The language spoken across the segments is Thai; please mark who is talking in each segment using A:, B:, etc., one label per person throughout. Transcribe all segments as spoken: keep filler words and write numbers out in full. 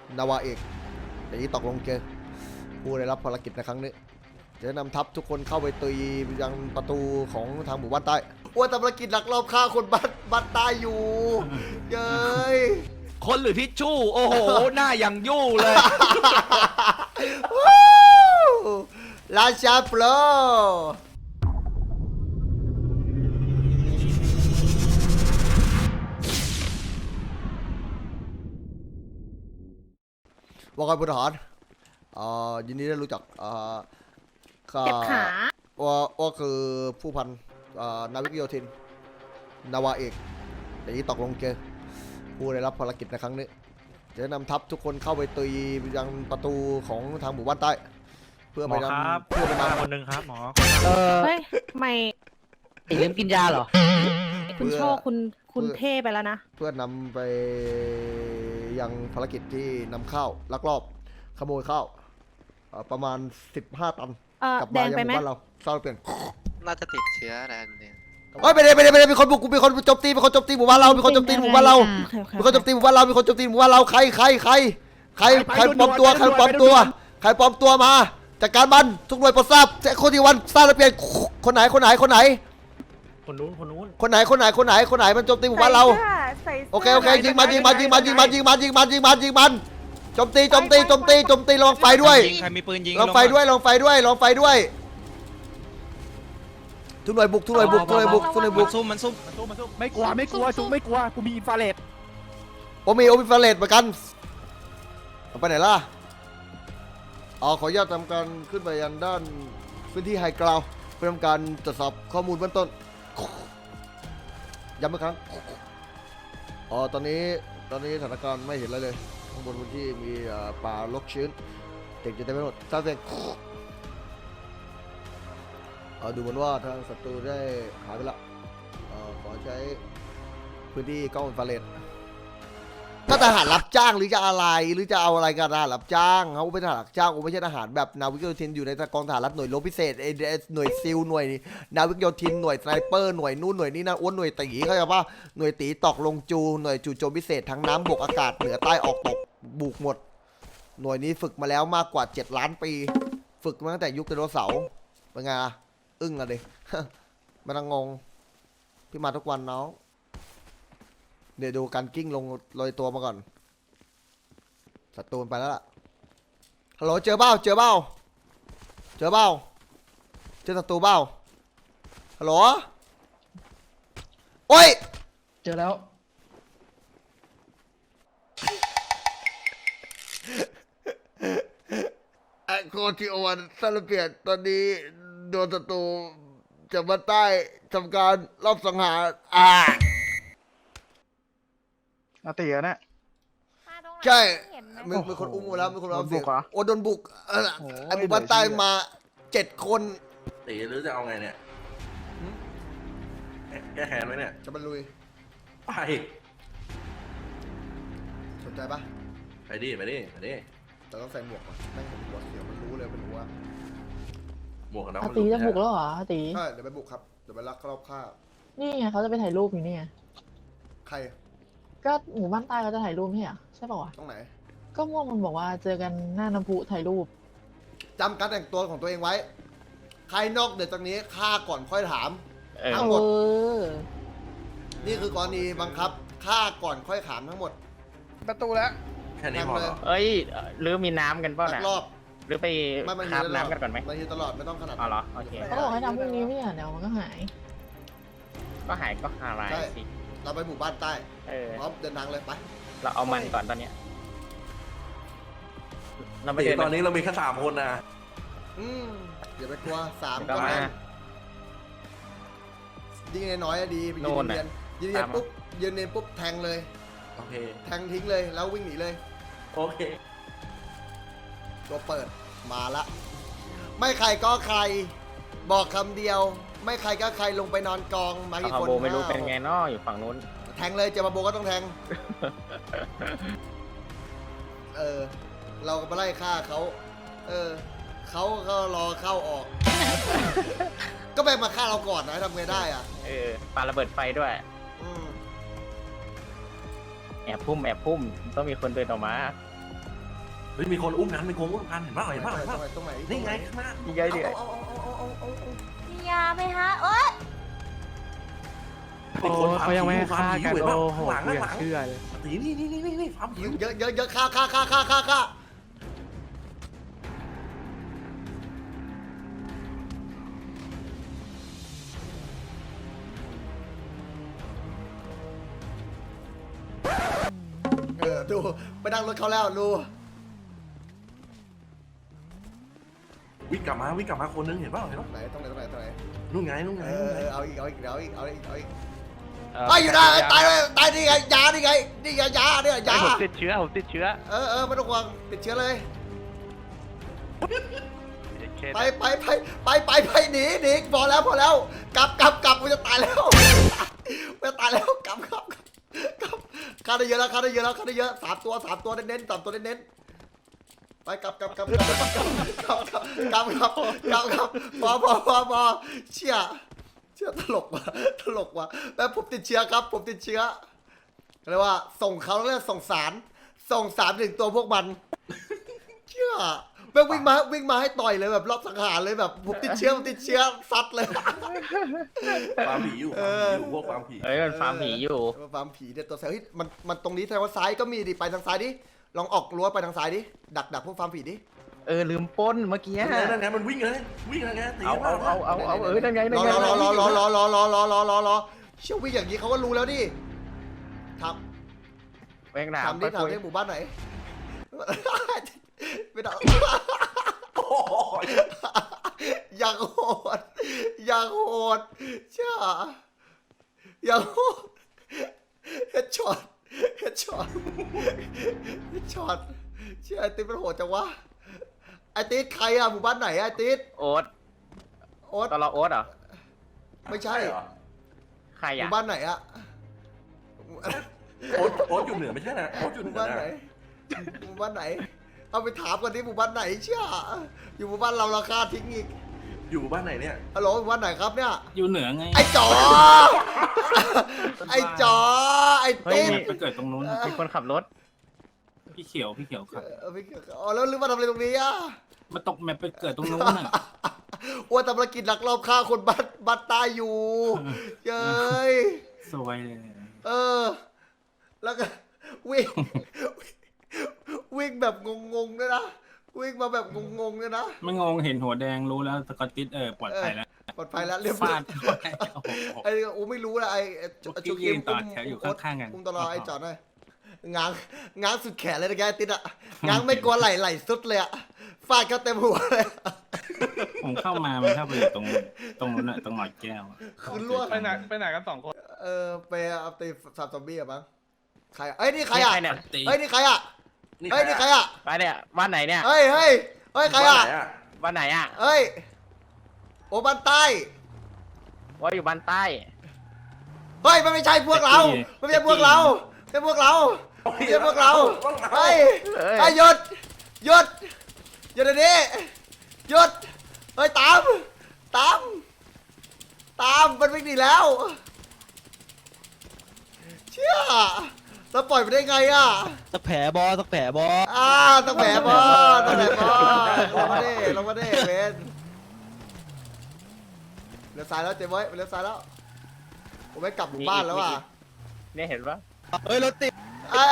A: นาวาเอกตีตกลงเจอผู้ได้รับภารกิจในครั้งนี้จะนำทัพทุกคนเข้าไปตียังประตูของทางหมู่บ้านใต้ว่าทำภารกิจหลักรอบฆ่าคนบ้านบ้านใต้อยู่เย้ย
B: คนหรือทิชชู่โอ้โห หน้าอย่างยู่เลย
A: ราชาโปรว่าไงพลทหารอ่ายินดีได้รู้จักอ่าข้า
C: เจ็บขา
A: ว่าว่าคือผู้พันอ่านาวิกโยธินนาวาเอกตีตกลงเจอผู้ได้รับภารกิจในครั้งนี้จะนำทัพทุกคนเข้าไปตียังประตูของทางหมู่บ้านใต้ เพื่อ
D: หม
A: ไป
D: อครับ
A: นำเพื่อไป
D: มาน
A: ำ
D: คนหนึ่งครับหมอ
E: เออ
C: เฮ้ยไม่
E: ตีลืมกินยาเหรอ
C: คุณโชคคุณคุณเท่ไปแล้วนะ
A: เพื่อนำไปยังภารกิจที่นำข้าวลักลอบขโมยข้าวเอ่อประมาณสิบห้าตัน
C: เออก
A: ลับ
C: แด
A: มาง ยัง
C: ไป
A: ห
C: ไหม
A: มู่บ้านเราเศร้าเปลี่ยน
F: น่าจะติดเชื้ออะไรเนี่ย
A: เฮ้ยไปเลยไปเลยไปเลยมีคนบุกมีคนโจมตีมีคนโจมตีหมู่บ้านเรามีคนโจมตีหมู่บ้านเรา
C: โอเคโอเค
A: มีคนโจมตีหมู่บ้านเรามีคนโจมตีหมู่บ้านเราใครใครใครใคร
B: ไป
A: ใคร
B: ไป
A: ปลอมตัว
B: ด่วนๆ
A: ใครปลอม
B: ไปด่วนๆ
A: ตัว
B: ไปด่วน
A: ใครปลอมตัวมาจากการบันทุกหน่วยโปรดทราบแจ็คโคดีวันสร้างระเบียบคนไหนคนไหนคนไหน
D: คนนู้นคนนู้น
A: คนไหนคนไหนคนไหนคนไหนมันโจมตีหมู่บ้านเรา
C: ใส่สื้
A: โอเคโอเคยิงมันยิงมันยิงมันยิงมันยิงมันยิงมันยิงมันยิงมันโจมตีโจมตีโจมตีโจมตีลองไฟด้วย
B: ยิงใครมีปืนยิง
A: ลองไฟด้วยลองไฟด้วยลองไฟด้วยทุกหน่วยบุกทุกหน่วยบุกทุกหน่วยบุกทุกหน่วยบุ
B: มั
A: ก
B: นซุ่มมันซุ่ม
D: มาสู้มาสู้
B: ไม่กลัวไม่กลัวซุ่มไม่กลัวกูมีอินฟราเรด
A: โอมีโอมีฟาเลตเหมือนกันเอาไปไหนล่ะอ๋อขออนุญาตทำการขึ้นไปยังด้านพื้นที่ไฮกราวด์เพื่อทำการตรวจสอบข้อมูลเบื้องต้นย้ำอีกครั้งอ๋อตอนนี้ตอนนี้สถานการณ์ไม่เห็นอะไรเลยข้างบนพื้นที่มีเอ่อป่ารกชื้นเด็กจะได้ไม่หมดทราบเสียงเอ่อดูเหมือนว่าทางศัตรูได้หายไปละเอ่อขอใช้พื้นที่กล้องอินฟราเรดก็ทหารรับจ้างหรือจะอะไรหรือจะเอาอะไรกันทหารรับจ้างเขาเป็นทหารรับจ้างเขาไม่ใช่ทหารแบบนาวิกโยธินอยู่ในกองทหารรับหน่วยรบพิเศษเอเอหน่วยซิลหน่วยนาวิกโยธินหน่วยสไนเปอร์หน่วยนู่นหน่วยนี่นั่นอ้วนหน่วยตีเขาใจป่ะหน่วยตีตอกลงจูหน่วยจู่โจมพิเศษทั้งน้ำบกอากาศเหนือใต้ออกตกบุกหมดหน่วยนี้ฝึกมาแล้วมากกว่าเจ็ดล้านปี ฝึกมาตั้งแต่ยุคไดโนเสาร์เป็นไงอะอึ้งอะดิ ไม่ต้องงงพี่มาทุกวันน้องเดี๋ยวดูการกิ้งลงลอยตัวมาก่อนศัตรูไปแล้วล่ะฮัลโหลเจอเบ้าเจอเบ้าเจอเบ้าเจอศัตรูเบ้าฮัลโหลโอ้ย
E: เจอแล้ว
A: ไอโคทิโอวันซาลเปียนตอนนี้โดนศัตรูจากบ้านใต้ทำการรอบสังหารอ่า
B: นาตีอะเนี่ย
A: ใช่
C: เห็นไหม
A: มีมีคนอุ้มมาแล้วมีคนเอาเสียง
B: โดนบุกเหรอ
A: โอ้โดนบุกเออ
B: โอ้ย
A: ไอหมู่บ้านใต้มาเจ็ดคน
G: ตีหรือจะเอาไงเนี่ยแก้แค้นไหมเนี่ย
A: จะบรรลุย
G: ไป
A: สนใจปะ
G: ไปดิ ไปดิ ไปดิ
A: แต่ต้องใส่หมวกก่อนแม่งเห็นหัวเขียวมันรู้เลยเป็นหัว
G: หมวกกันน็อก
E: อา
G: มัน
E: ตี
G: หลุด
E: จะบุกแล้วเหรออาตี
A: ใช่เดี๋ยวไปบุกครับเดี๋ยวไปลักรอบฆ่า
E: นี่ไงเขาจะไปถ่ายรูปอยู่นี่ไง
A: ใคร
E: ก็หมู่บ้านใต้เขาจะถ่ายรูปไม่ใช่เหรอใช่ป่าวะ
A: ตรงไหน
E: ก็ม่วงมันบอกว่าเจอกันหน้าน้ำพุถ่ายรูป
A: จำการแต่งตัวของตัวเองไว้ ใครนอกเหนือจากนี้ฆ่าก่อนค่อยถาม
D: เออ
A: ทั้
E: เอง
A: หมด
E: อ
A: นี่คือกรณีบังคับฆ่าก่อนค่อยถามทั้งหมด
B: ประตูแล้ว
G: แค่นี้พอเหรอ
D: เอ้ยหรือมีน้ำกันเปล่า
A: ลั
D: น่ะ
A: กรอบ
D: หรือไป
A: ไม่มัน
D: คาบ
A: ตลอด
D: น้ำกันก่อนไหม
A: มันยืนตลอดไม่ต้องขนาด
D: อ๋อเหรอโอเค
E: เขาบอกให้ทำพรุ่งนี้ไม่ใช่เหรอเดี๋ยวมันก็หาย
D: ก็หายก็หายสิ
A: เราไปหมู่บ้านใต้
D: เออ
A: พร้อมเดินทางเลยไป
D: เราเอามันก่อนตอนเนี้ยเราไม่
G: ตี
D: เดิน
G: ตอนนี้เรามีแค่สามคนนะ
A: อืมอย่าไปกลัวสาม
D: เดี๋ยว
A: ค
D: ก็
A: น
D: มา
A: นั้นยิ่งน้อยๆอะดีไปยื
D: โน่
A: น
D: นน่ะ
A: เรียนยืนเรียน
D: ตามมา
A: ปุ๊บยืนเรียนปุ๊บแทงเลย
G: โอเค
A: แทงทิ้งเลยแล้ววิ่งหนีเลย
G: โอเค
A: ตัวเปิดมาละ ไม่ใครก็ใคร บอกคำเดียว ไม่ใครก็ใครลงไปนอนกองมากี่
D: คา
A: คน
D: โบไม่รู้
A: ห้า
D: เป็นไงเนาะอยู่ฝั่งนู้น
A: แทงเลยเจอมาโบก็ต้องแทง เออ เราก็มาไล่ฆ่าเขา เออ เขาก็รอเข้าออก ก็ไปมาฆ่าเราก่อนนะทำไงได้อ่ะ
D: เออปาระเบิดไฟด้วย
A: อืม
D: แอบพุ่มแอบพุ่มต้องมีคนเดินออกมา
G: เฮ้ยมีคนอุ้มกันมีคนอุ้มกันเห็นป่ะเห็นป่ะเห็น
A: ตร
G: ป่ะ
A: งไหนตรงไหน
G: นี่ไงข้างหน้า
D: ยิงไงดิ
A: เอาเอาเอาเอาเอาเอา
H: มียาไหมฮะโอ๊ย
G: มีคน
I: เขายังไม่ให้ฆ่ากัน
G: เห็นป่ะ
I: โอ้โห
G: ข้างหลัง
I: กู
G: ข้างหลัง
I: อยากเชื่อเลย
G: ตีนี่นี่นี่นี่ฟาร์ม
A: หิ
G: หิ
A: ว
G: ว
A: เยอะเยอะเยอะฆ่าฆ่าฆ่าฆ่าฆ่าฆ่าเออดูไปนั่งรถเขาแล้วดู
G: วิ่งกลับมาวิ่งกลับมาคนนึงเห็นป่ะเห็นป่ะ
A: ไหนตรงไหนตรงไหนตรงไหน
G: นู่นไงนู่นไง
A: เอ
G: นู่น
A: อ
G: ไง
A: เอาอีกเอาอีกเอาอีกเอาอีกเอาอีกเอาอีก
B: เอ่อ
A: ไอ้อยู่นะตายเลยตายนี่ไงยานี่ไงนี่ไงยาเนี่ยยา
I: ผมติดเชื้อผมติดเชื้อ
A: เออเออไม่ต้องห่วงติดเชื้อเลย
I: เคส
A: ไปไปไปไปไปไปหนีหนีพอแล้วพอแล้วกลับกลับกลับกูจะตายแล้วกูจะตายแล้วกลับกลับกลับฆ่าได้เยอะแล้วฆ่าได้เยอะแล้วฆ่าได้เยอะสามตัวสามตัวเน้นๆสามตัวเน้นๆไปกลับกลับกลับกลับกลับกลับกลับกลับกลับกลับกลับพอพอพอพอเชี่ยเชี่ยตลกว่ะตลกว่ะแม่ผมติดเชื้อครับผมติดเชื้อเรียกว่าส่งเขาเรียกส่งสารส่งสารถึงตัวพวกมันเชี่ยแม่งวิ่งมาวิ่งมาให้ต่อยเลยแบบรอบสังหารเลยแบบผมติดเชื้อผมติดเชื้อซัดเลย
G: ฟาร์มผีอยู่
A: เอ
G: ฟาร์ม
A: อ
G: ผีอยู่พวกฟาร์มผี
D: เอ้ยมันฟาร์มผีอยู่
A: เฟาร์มผีเนี่ยตัวแสบเฮ้ยมันมันตรงนี้แสดงว่าซ้ายก็มีดิไปทางซ้ายดิลองออกรั้วไปทางซ้ายดิดักดักพวกฟาร์มผีดิ
D: เออลืมปล้นเมื่อกี้
G: นั่นไงนั่นไงมันวิ่งเลยวิ่งเลยไงตี
D: เอาเอาเอาเอาเอาเออนั่นไงนั่
A: ร
D: น
A: อ
D: ไง
A: รอรอรอรอรอรอรอรอรอรอรอเชี่ยวิ่งอย่างนี้เขาก็รู้แล้วดิท
D: แม่งห
A: ำ
D: นาม
A: ทำดิ
D: ไปคุย
A: ทำดิหมู่บ้านไหนไม่ได้
G: โอ้ย
A: อย่างโหดอย่างโหดเช่าอย่างโหดเฮดช็อตเฮดช็อตเฮดช็อตเชื่อไอติ๊ดมันโหดจังวะไอติ๊ดใครอะหมู่บ้านไหนอะไอติ๊ด
D: โอ๊ต
A: โอ๊ต
D: ตอนเราโอ๊ตเหรอ
A: ไม่ใช่
G: เหรอ
D: ใคร
A: ห
D: อ่ะ
A: มู่บ้านไหนอะ
G: โอ๊ตโอ๊ตอยู่เหนือไม่ใช่นะโอ๊ตอยู่
A: ห
G: เหนื
A: มู่
G: อ
A: บ้านไหน
G: นะ
A: หมู่บ้านไหนเอาไปถามกันดิหมู่บ้านไหนเชื่ออยู่หมู่บ้านเราราคาทิ้งอีก
G: อยู่บ้านไหนเนี่ย
A: ฮัลโหลหมู่บ้านไหนครับเนี่ย
I: อยู่เหนือไง
A: ไอ้จ๋อไอ้จ๋อไอ้
D: เฮ้ย
A: ติ๊ด
D: มี
I: ไปเกิดตรงนู้น
D: มีคนขับรถ
I: พี่เขียวพี่เขียวครับ
A: เออไม่อ๋อแล้วลืมมาทำอะไรตรงนี้อ่ะ
I: มาตกแมปไปเกิดตรงนู้นน่ะ
A: ว่าทำภารกิจลักลอบฆ่าคนบ้านบ้านตายอยู่เย้ย
I: สวยเลย
A: เออ แล้วก็วิ่งวิ่งแบบงงๆด้วยนะวิ่งมาแบบงงๆด้วยนะ
I: ไม่งงเห็นหัวแดงรู้แล้วสกอตติสเออปลอดภัยแล้ว
A: ปลอดภัยแล้วเรียบร้อ
I: ฟาย ดเข้าไปโอ้โห
A: ไอ้โอ้ไม่รู้นะไอ้ไอ้
I: เมื่อกี้ยืนต่อแถวอยู่ข้างๆกัน
A: อุ้มตลอดไอ้จอดหน่อยง้างง้างสุดแขนเลยนะแกติดอ่ะง้างไม่กลัวไหลไหลสุดเลยอ่ะฟาดเขาเต็มหัวเลย
I: ผมเข้ามามันเข้าไปอยู่ตรงตรงนู้นน่ะตรงหลอดแก้วอะ
A: คือล่วง
I: ไปไหน
B: ไปไหนกันสองคน
A: เออไปเอาตีสับซอมบี้อะมั้งใครอะเอ้ยนี่ใครอะ
D: นี่ใครเนี่ย
A: เฮ้ยนี่ใครอะเฮ้ยนี่ใครอะ
D: ไปเนี่ยบ้านไหนเนี่ย
A: เฮ้ยเฮ้ยเฮ้ยใคร
G: บ้าน
A: อะ
G: ไหนอะ
D: บ้านไหนอ่ะ
A: เฮ้ยโอบ้านใต้
D: ว่าอยู่บ้านใต้
A: เฮ้ยมันไม่ใช่พวกเรามันไม่ใช่พวกเราไม่ใช่พวกเราไม่ใช่พวกเราเฮ้ยเฮ้ยหยุดหยุดหยุดเดี๋ยวนี้หยุดเฮ้ยตามตามตามมันวิ่งหนีแล้วเชี่ยเราปล่อยไปได้ไงอะ
J: สักแผลบอสักแผลบอ
A: อ่าต้องแหมบอต้องแหมบอลงมาดิลงมาดิเบนเลี้ยวซ้ายแล้วเจ๊บอยเลี้ยวซ้ายแล้วผมไม่กลับหมู่บ้านแล้วอ่ะ
D: เนี่ยเห็นปะ
J: เฮ้ยรถติด
A: อ่า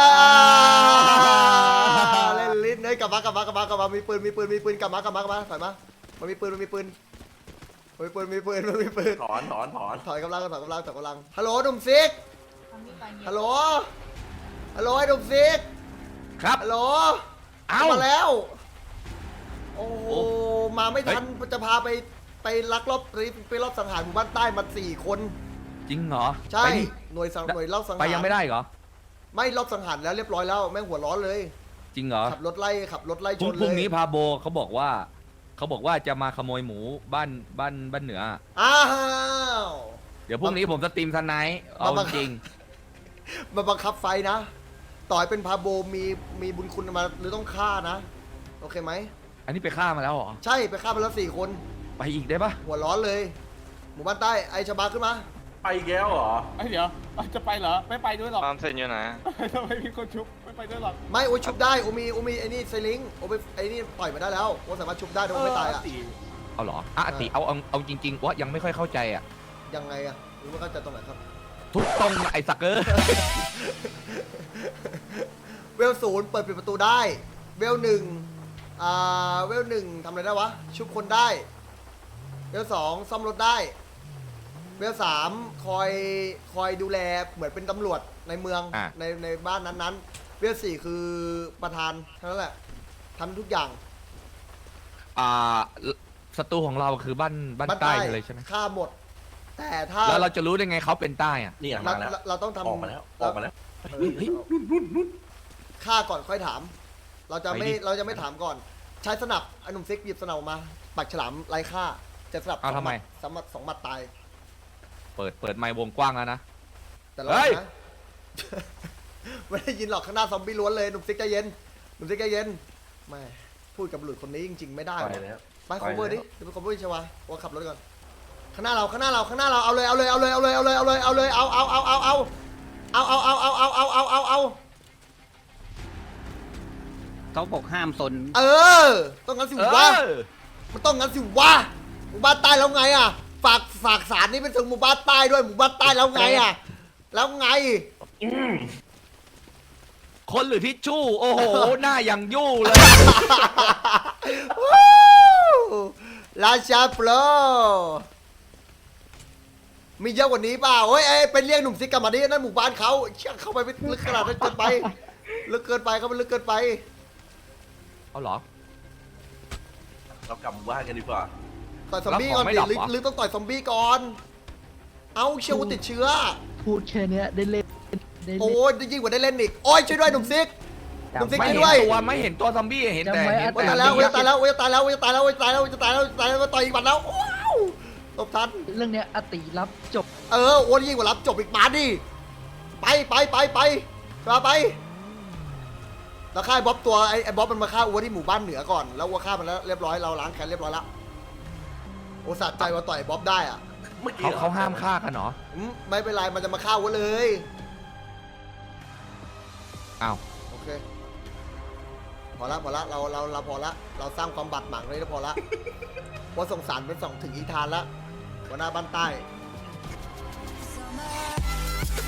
A: เล่นลิ้นเฮ้ยกลับมากลับมากลับมากลับมามีปืนมีปืนมีปืนกลับมากลับมากลับมาถอยมามันมีปืนมันมีปืนมันมีปืนมีปืนมันมีปืน
G: ถอนถอนถอน
A: ถอยกำลังถอยกำลังถอยกำลังฮัลโหลหนุ่มซิกฮัลโหลฮัลโหลไอ้หนุ่มซิก
B: ครับ
A: ฮัลโหล
B: เอ้า
A: มาแล้ว โอ้โหมาไม่ทันจะพาไปไปลักลอบไปไปรอบสังหารหมู่บ้านใต้มาสี่คน
B: จริงเหรอ
A: ใช่
B: ไปดิ
A: หน่วยสังหน่วยรอบสังหาร
B: ไปยังไม่ได้เหรอ
A: ไม่รอบสังหารแล้วเรียบร้อยแล้วแม่งหัวร้อนเลย
B: จริงเหรอ
A: ขับรถไล่ขับรถไล่
B: พ
A: ช
B: รุ่ง
A: น
B: พรุ่ง
A: เลย
B: นี้พาโบเขาบอกว่า เขาบอกว่าจะมาขโมยหมูบ้านบ้านบ้านเหนือ
A: อ้าว
B: เดี๋ยวพรุ่งนี้ผมสตรีมทันไนท์เอา
A: มา
B: จริง
A: มาบังคับไฟนะ ต่อยเป็นพาโบมีมีบุญคุณมาหรือต้องฆ่านะ โอเคไหม
B: อันนี้ไปฆ่ามาแล้วเหรอ
A: ใช่ไปฆ่าไปแล้วสี่คน
B: ไปอีกได้ปะ
A: หัวร้อนเลย หมู่บ้านใต้ไอชบาขึ้นมา
G: ไปแก้วเหรอ
I: เดี๋ยวจะไปเหรอไม่ไปด้วยหรอก
F: ความเสร็จอยู่ไหน
I: ทำไมมีคนชุบไม่
J: ไปด้วยหรอก
A: ไม่โอ้ยชุบได้โอมีโอมีไอ้นี่ไซลิงโอไปไอ้นี่ปล่อยมาได้แล้วโอสามารถชุบได้โดยไม่ตายอ่ะ
B: เอาเหรออ่ะอาติเอาเอาเอาจริงๆว่ายังไม่ค่อยเข้าใจอ่ะ
A: ยังไงอ่ะหรือว่าเข้าใจตรงไหนครับ
B: ทุกตรงไอ้สักเกอร์
A: เวลศูนย์เปิดปิดประตูได้เวลหนึ่งอ่าเวลหนึ่งทำอะไรได้วะชุบคนได้เวลสองซ่อมรถได้เวลสามคอยคอยดูแลเหมือนเป็นตำรวจในเมือง
B: อ่ะ
A: ในในบ้านนั้นๆเวลสี่คือประธานเท่านั้นแหละทำทุกอย่าง
B: อ่าศัตรูของเราคือบ้านบ้านใต้เลยใช่ไหม
A: ฆ่าหมด แต่ถ้า
B: แล้วเราจะรู้ได้ไงเขาเป็นใต้อ่ะ
G: นี่
A: เรา
G: มาแล้ว
A: เราเราต้องทำ
G: ออกมาแล้วออกมาแล้ว
A: เออ
G: เฮ้ยเฮ้ยนู่นนู่นนู่น
A: ฆ่าก่อนค่อยถาม เราจะไม่
B: ไปดิ
A: เราจะไม่ถามก่อน ใช้สนับไอ้หนุ่มซิกหยิบสนับออกมาปักฉลามไร้ค่าจะสนับ
B: เอาทำไม
A: สองหมัดสองหมัดตาย
B: เปิดเปิดไมค์วงกว้างแล้วนะ
A: แต่เรา
B: เฮ้ย
A: นะ ไม่ได้ยินหรอกข้างหน้าซอมบี้ล้วนเลยหนุ่มซิกใจเย็นหนุ่มซิกใจเย็นไม่พูดกับบุรุษคนนี้จริง ๆ ไม่ได้
G: ไป
A: ว่ะ
G: แล้ว
A: ไป
G: ไป
A: cover
G: แล้ว
A: ดิเดี๋ยวไป cover ชวาว่าขับรถก่อนข้างหน้าเราข้างหน้าเราข้างหน้าเราเอาเลยเอาเลยเอาเลยเอาเลยเอาเลยเอาเลยเอาเลยเอาเอาเอาเอาเอาเอาเอาเอาเอาเอาเอาเอาเอาเอา
J: เขาบอกห้ามซน
A: เออต้องงั้นสิ
B: เอ
A: วะ
B: อ
A: มันต้องงั้นสิวะหมู่บ้านใต้แล้วไงอ่ะฝากฝากสารนี้เป็นถึงหมู่บ้านใต้ด้วยหมู่บ้านใต้แล้วไงอ่ะแล้วไง
B: คนหรือทิชชู่ โอ้โห หน้าอย่างยู่เลย
A: ราชาโปรมีเยอะกว่านี้เปล่าเฮ้ยเอ้ยเป็นเรียกหนุ่มซิกกลับมาดินั่นหมู่บ้านเขาเชี่ยเข้าไปไม่ลึกขนาดนั้นเกินไปลึกเกินไปเขาไปลึกเกินไป
B: เอาเหรอ
G: เรากลับหมู่บ้านกันดีกว่า
A: ต่อยซอมบี้ก่อน
B: แล้วของไม่
A: ดิ
B: ดับ
A: หรือ
B: เหรอ
A: หรือต้องต่อยซอมบี้ก่อน เอาเชื่อว่าติดเชื้อ
J: พูดแค่เนี้ยได้เล่นได้
A: โอ้
J: เล่น
A: ยยิ่งกว่าได้เล่นอีกโอ้ยช่วยด้วยหนุ่มซิกหนุ่มซิก
B: ไม่
A: ช่วย
B: เห็น
A: ด้วย
B: ตัวไม่เห็นตัวซอมบี้เห็นแต่
J: จำไว้
B: เห็น
A: โอ้ย
B: แต่
A: ตายแล้วโอ้ย
B: ยักษ์
A: ตายแล้วโอ้ยตายแล้วโอ้ยตายแล้วโอ้ยตายแล้วโอ้ยตายแล้วโอ้ยตายแล้วต่อยอีกบัตรแล้วว้าวตบทัน
J: เรื่องเนี้ยอติรับจบ
A: เออโอ้ยยิ่งกว่ารับจบอีกมาดิไปไปไปไปมาไปแล้วฆ่าไอ้บ๊อบตัวไอ้ไอ้บ๊อบมันมาฆ่าอัวที่หมู่บ้านเหนือก่อนแล้วอัวฆ่ามันแล้วเรียบร้อยเราล้างแค้นเรียบร้อยแล้วโอ้สะใจว่าต่อยไอ้บ๊อบได้อ่ะ
G: เมื่อกี้
B: เขาเขาห้ามฆ่ากันเหรอ
A: อืมไม่เป็นไรมันจะมาฆ่าอัวเลย
B: อ้าว
A: โอเคพอละพอละเราเราเราพอละเราสร้างความบาดหมางเลยแล้วพอละเพราะสงสารเป็นสองถึงอีธานละหัวหน้าบ้านใต้